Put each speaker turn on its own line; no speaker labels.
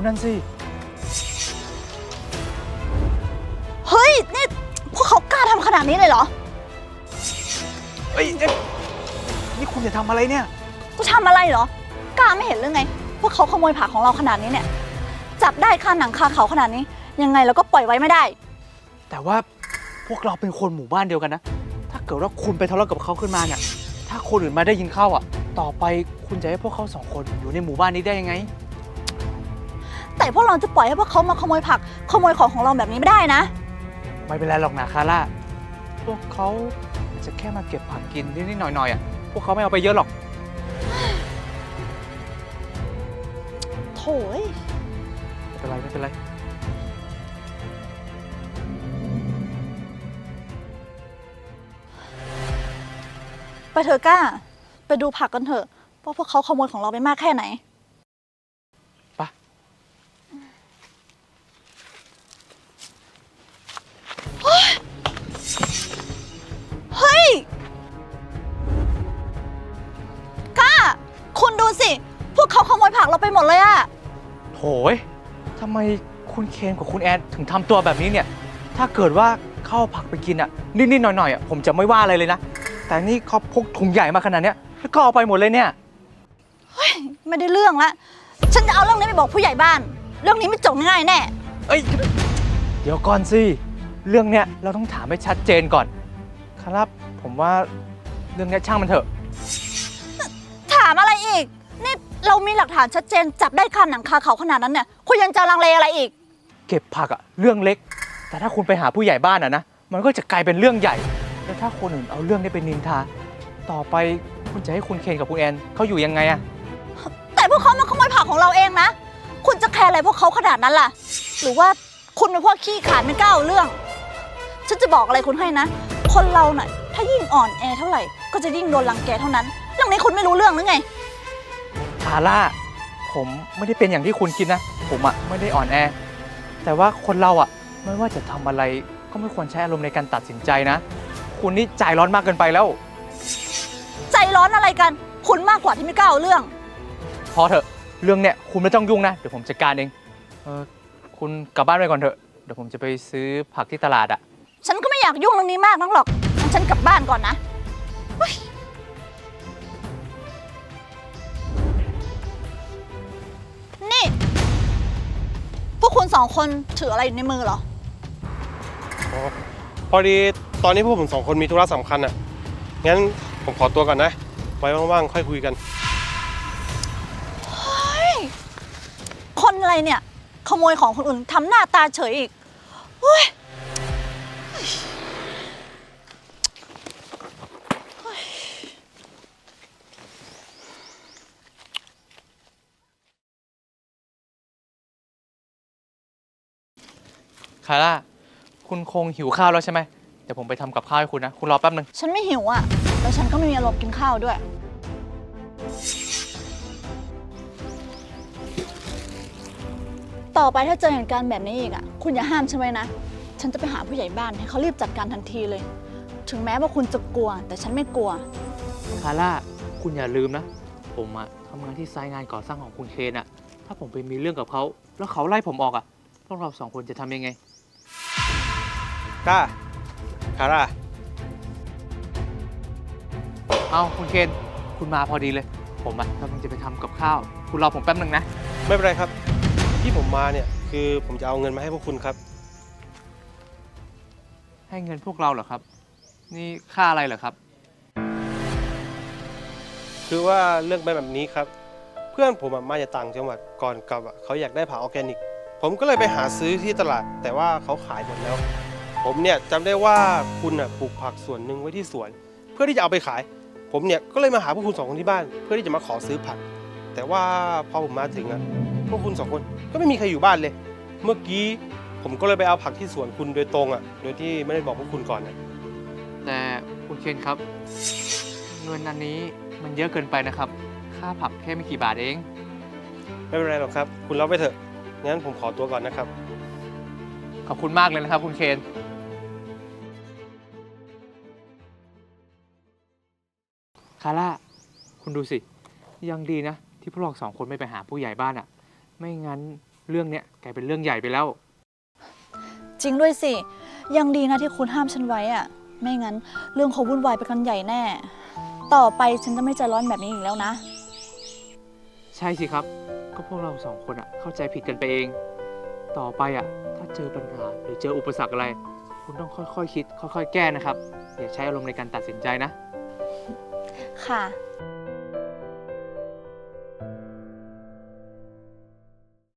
นั่นสิ
เฮ้ยนี่พวกเขากล้าทำขนาดนี้เลยเหรอ
เอ้ยนี่คุณจะทำอะไรเนี่ย
กูทำอะไรเหรอกล้าไม่เห็นหรือไงพวกเขาขโมยผักของเราขนาดนี้เนี่ยจับได้คาหนังคาเขาขนาดนี้ยังไงเราก็ปล่อยไว้ไม่ได้
แต่ว่าพวกเราเป็นคนหมู่บ้านเดียวกันนะถ้าเกิดว่าคุณไปทะเลาะกับเขาขึ้นมาเนี่ยถ้าคนอื่นมาได้ยินเข้าอ่ะต่อไปคุณจะให้พวกเขาสองคนอยู่ในหมู่บ้านนี้ได้ยังไง
แต่พวกเราจะปล่อยให้พวกเขามาขโมยผักขโมยของเราแบบนี้ไม่ได้นะ
ไม่เป็นไรหรอกนะคาร่าพวกเขาจะแค่มาเก็บผักกินนิดๆหน่อยๆอ่ะพวกเขาไม่เอาไปเยอะหรอก
โถ่
ไม่เป็นไรไม่เป็นไร
ไปเถอะกล้าไปดูผักกันเถอะว่าพวกเขาขโมยของเราไปมากแค่ไหน
ไป
เฮ้ยกล้าคุณดูสิพวกเขาขโมยผักเราไปหมดเลยอะ
โถยทำไมคุณเคนกับคุณแอนถึงทำตัวแบบนี้เนี่ยถ้าเกิดว่าเข้าผักไปกินอ่ะนิดๆหน่อยๆอ่ะผมจะไม่ว่าอะไรเลยนะแต่นี่เขาพกถุงใหญ่มาขนาดเนี้ยแล้วก็เอาไปหมดเลยเนี่ย
เฮ้ยไม่ได้เรื่องละฉันจะเอาเรื่องนี้ไปบอกผู้ใหญ่บ้านเรื่องนี้ไม่จบง่ายแน่
เอ้ยเดี๋ยวก่อนสิเรื่องเนี้ยเราต้องถามให้ชัดเจนก่อนครับผมว่าเรื่องนี้ช่างมันเถอะ
ถามอะไรอีกนี่เรามีหลักฐานชัดเจนจับได้คาหนังคาเขาขนาดนั้นเนี่ยคุณยังจะลังเลอะไรอีก
เก็บผักอะเรื่องเล็กแต่ถ้าคุณไปหาผู้ใหญ่บ้านอะนะมันก็จะกลายเป็นเรื่องใหญ่แล้วถ้าคนอื่นเอาเรื่องนี้ไปนินทาต่อไปคุณจะให้คุณเคนกับคุณแอนเขาอยู่ยังไงอะ
แต่พวกเขามาขโมยผักของเราเองนะคุณจะแคร์อะไรพวกเขาขนาดนั้นล่ะหรือว่าคุณเป็นพวกขี้ขลาดไม่กล้าเอาเรื่องฉันจะบอกอะไรคุณให้นะคนเราหน่อยถ้ายิ่งอ่อนแอเท่าไหร่ก็จะยิ่งโดนรังแกเท่านั้นเรื่องนี้คุณไม่รู้เรื่องหรือไง
คาร่าผมไม่ได้เป็นอย่างที่คุณคิดนะผมอะไม่ได้อ่อนแอแต่ว่าคนเราอะไม่ว่าจะทำอะไรก็ไม่ควรใช้อารมณ์ในการตัดสินใจนะคุณนี่ใจร้อนมากเกินไปแล้ว
ใจร้อนอะไรกันคุณมากกว่าที่ไม่กล้าเอาเรื่อง
พอเถอะเรื่องเนี้ยคุณไม่ต้องยุ่งนะเดี๋ยวผมจัดการเองคุณกลับบ้านไปก่อนเถอะเดี๋ยวผมจะไปซื้อผักที่ตลาดอะ
ฉันก็ไม่อยากยุ่งเรื่องนี้มากนักหรอกงั้นฉันกลับบ้านก่อนนะนี่พวกคุณสองคนถืออะไรอยู่ในมือเหรอ
พอดีตอนนี้พวกผมสองคนมีธุระสำคัญอ่ะงั้นผมขอตัวก่อนนะไว้ว่างๆค่อยคุยกัน
เฮ้ยคนอะไรเนี่ยขโมยของคนอื่นทำหน้าตาเฉยอีกเฮ้ย
คาร่าคุณคงหิวข้าวแล้วใช่ไหมเดี๋ยวผมไปทำกับข้าวให้คุณนะคุณรอแป๊บนึง
ฉันไม่หิวอ่ะแล้วฉันก็ไม่มีอารมณ์กินข้าวด้วยต่อไปถ้าเจอเหตุการณ์แบบนี้อีกอ่ะคุณอย่าห้ามฉันไว้นะฉันจะไปหาผู้ใหญ่บ้านให้เขารีบจัดการทันทีเลยถึงแม้ว่าคุณจะกลัวแต่ฉันไม่กลัว
คาร่าคุณอย่าลืมนะผมอะทำงานที่ไซต์งานก่อสร้างของคุณเคนอะถ้าผมไปมีเรื่องกับเขาแล้วเขาไล่ผมออกอะพวกเราสองคนจะทำยังไง
ก้าคาร่า
เอาคุณเคนคุณมาพอดีเลยผมอะกำลังจะไปทำกับข้าวคุณรอผมแป๊บนึงนะ
ไม่เป็นไรครับที่ผมมาเนี่ยคือผมจะเอาเงินมาให้พวกคุณครับ
ให้เงินพวกเราเหรอครับนี่ค่าอะไรเหรอครับ
คือว่าเรื่องเป็นแบบนี้ครับเพื่อนผมมาจากต่างจังหวัดก่อนกลับเขาอยากได้ผักออร์แกนิกผมก็เลยไปหาซื้อที่ตลาดแต่ว่าเขาขายหมดแล้วผมเนี่ยจำได้ว่าคุณปลูกผักส่วนหนึ่งไว้ที่สวนเพื่อที่จะเอาไปขายผมเนี่ยก็เลยมาหาพวกคุณสองคนที่บ้านเพื่อที่จะมาขอซื้อผักแต่ว่าพอผมมาถึงพวกคุณสองคนก็ไม่มีใครอยู่บ้านเลยเมื่อกี้ผมก็เลยไปเอาผักที่สวนคุณโดยตรงโดยที่ไม่ได้บอกพวกคุณก่อน
แต่คุณเคนครับเงินอันนี้มันเยอะเกินไปนะครับค่าผักแค่ไม่กี่บาทเอง
ไม่เป็นไรหรอกครับคุณรับไปเถอะงั้นผมขอตัวก่อนนะครับ
ขอบคุณมากเลยนะครับคุณเคนคาร่าคุณดูสิยังดีนะที่พวกเราสองคนไม่ไปหาผู้ใหญ่บ้านไม่งั้นเรื่องเนี้ยกลายเป็นเรื่องใหญ่ไปแล้ว
จริงด้วยสิ ยังดีนะที่คุณห้ามฉันไว้อะไม่งั้นเรื่องเขาวุ่นวายไปกันใหญ่แน่ ต่อไปฉันจะไม่ใจร้อนแบบนี้อีกแล้วนะ
ใช่สิครับ ก็พวกเราสองคนอะเข้าใจผิดกันไปเอง ต่อไปอะถ้าเจอปัญหาหรือเจออุปสรรคอะไร คุณต้องค่อยๆคิด ค่อยๆแก้นะครับ อย่าใช้อารมณ์ในการตัดสินใจนะ
ค่ะ